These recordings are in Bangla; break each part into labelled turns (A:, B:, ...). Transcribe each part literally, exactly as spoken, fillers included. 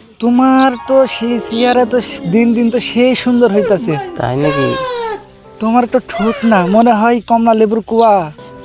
A: তোমার তো সেই চেহারা তো দিন দিন তো সেই সুন্দর হইতাছে।
B: তাই নাকি?
A: তোমার তো ঠোঁট না, মনে হয় কমলা লেবুর কুয়া।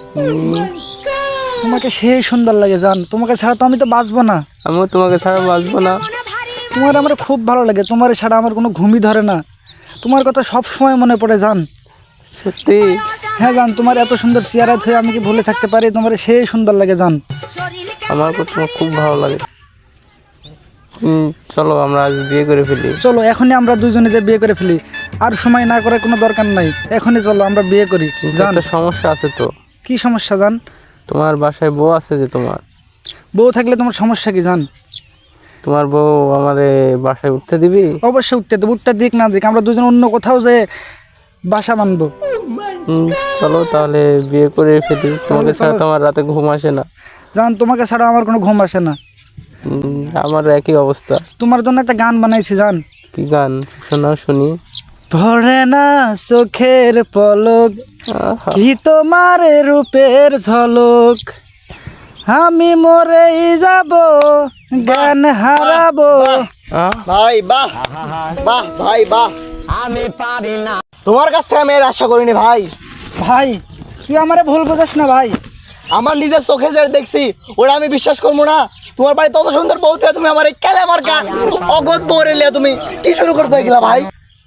A: তোমাকে সেই সুন্দর লাগে জান, তোমাকে ছাড়া তো আমি তো বাঁচবো না।
B: আমিও তোমাকে ছাড়া বাঁচবো না।
A: তোমার আমার খুব ভালো লাগে, তোমার ছাড়া আমার কোনো ঘুমই ধরে না। তোমার কথা সব সময় মনে পড়ে জান।
B: সত্যি?
A: হ্যাঁ জান, তোমার এত সুন্দর চেহারা ধুয়ে আমি কি ভুলে থাকতে পারি? তোমার সেই সুন্দর লাগে জান।
B: আমার তোমার খুব ভালো লাগে। হুম, চলো আমরা আজ বিয়ে করে ফেলি।
A: চলো এখনই আমরা দুজনে যে বিয়ে করে ফেলি, আর সময় না করার কোনো দরকার নাই, এখনই চলো আমরা বিয়ে করি। জান
B: একটা সমস্যা আছে তো।
A: কি সমস্যা জান?
B: তোমার বাসায় বউ আছে যে, তোমার
A: বউ থাকলে তোমার সমস্যা কি জান?
B: তোমার বউ আমারে বাসায় উঠতে দিবি?
A: অবশ্যই উঠতে দেবো, উঠতে দিক না দিক আমরা দুজন অন্য কোথাও যে বাসা বানবো।
B: হুম, চলো তাহলে বিয়ে করে ফেলি। তোমাকে ছাড়া তো আমার রাতে ঘুম আসে না।
A: জান তোমাকে ছাড়া আমার কোনো ঘুম আসে না।
B: হুম, আমার একই অবস্থা।
A: তোমার জন্য একটা গান বানাইছি জান।
B: কি গান? শোনাও শুনি।
A: ভরে না চোখের পলক,
B: আহা,
A: কি তোমার রূপের ঝলক, আমি মরেই যাব জ্ঞান হারাবো।
B: আহ,
C: ভাই বাহ বাহ ভাই বাহ, আমি পারি না। তোমার কাছ থেকে আমি এর আশা করিনি ভাই।
A: ভাই তুই আমারে ভুল বোঝাস না ভাই।
C: আমার নিজের চোখে যে দেখছি ওরা আমি বিশ্বাস করবো না। তোমার বাড়ি তত সুন্দর বউ থেকে তুমি আমার এই কেলে আমার গান অগত বউরে লিয়া তুমি কি শুরু করতে গেলা ভাই?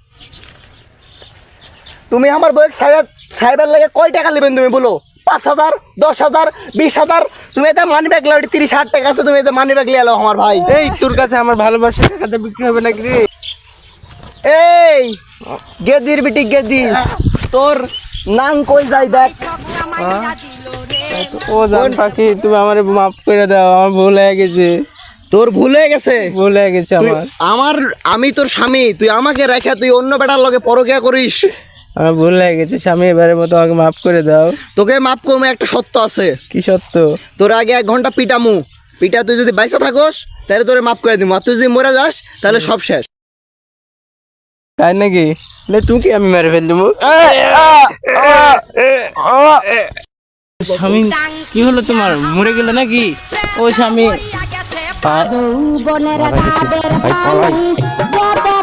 C: তুমি আমার বউয়ের সাইবার সাইবার লাগে কয় টাকা নেবেন তুমি বলো? পাঁচ হাজার, দশ হাজার, বিশ হাজার? তুমি এটা মানি ব্যাগ লাও, তিরিশ হাজার টাকা আছে, তুমি এটা মানি ব্যাগ লিয়ে এলো আমার ভাই।
B: এই তোর কাছে আমার ভালোবাসা টাকাতে বিক্রি হবে নাকি রে?
C: এই গেদির বিটি গেদি, তোর নাম কই যাই দেখ।
B: ও জান পাখি, তুমি আমারে মাফ করে দাও, আমার ভুল হয়ে গেছে।
C: তোর ভুল হয়ে গেছে।
B: ভুল হয়ে গেছে
C: তুই
B: আমার।
C: আমার আমি তোর স্বামী, তুই আমাকে রেখে তুই অন্য বেটার লগে পরকিয়া করিস।
B: আমার ভুল হয়ে গেছে স্বামী, এবারের মতো আমাকে মাফ করে দাও।
C: তোকে মাফ করবো, একটা সত্য আছে।
B: কি সত্য?
C: তোর আগে এক ঘন্টা পিটামু, পিটা তুই যদি বাইসা থাকস তাহলে তোরে মাফ করে দিব, আর তুই যদি মরে যাস তাহলে সব শেষ।
B: তাই নাকি? লে তুই কি আমি মেরে ফেল দেবো? স্বামী কি হলো তোমার? মরে গেলে নাকি? ও স্বামী,
D: বনের
B: ভাই পলাই।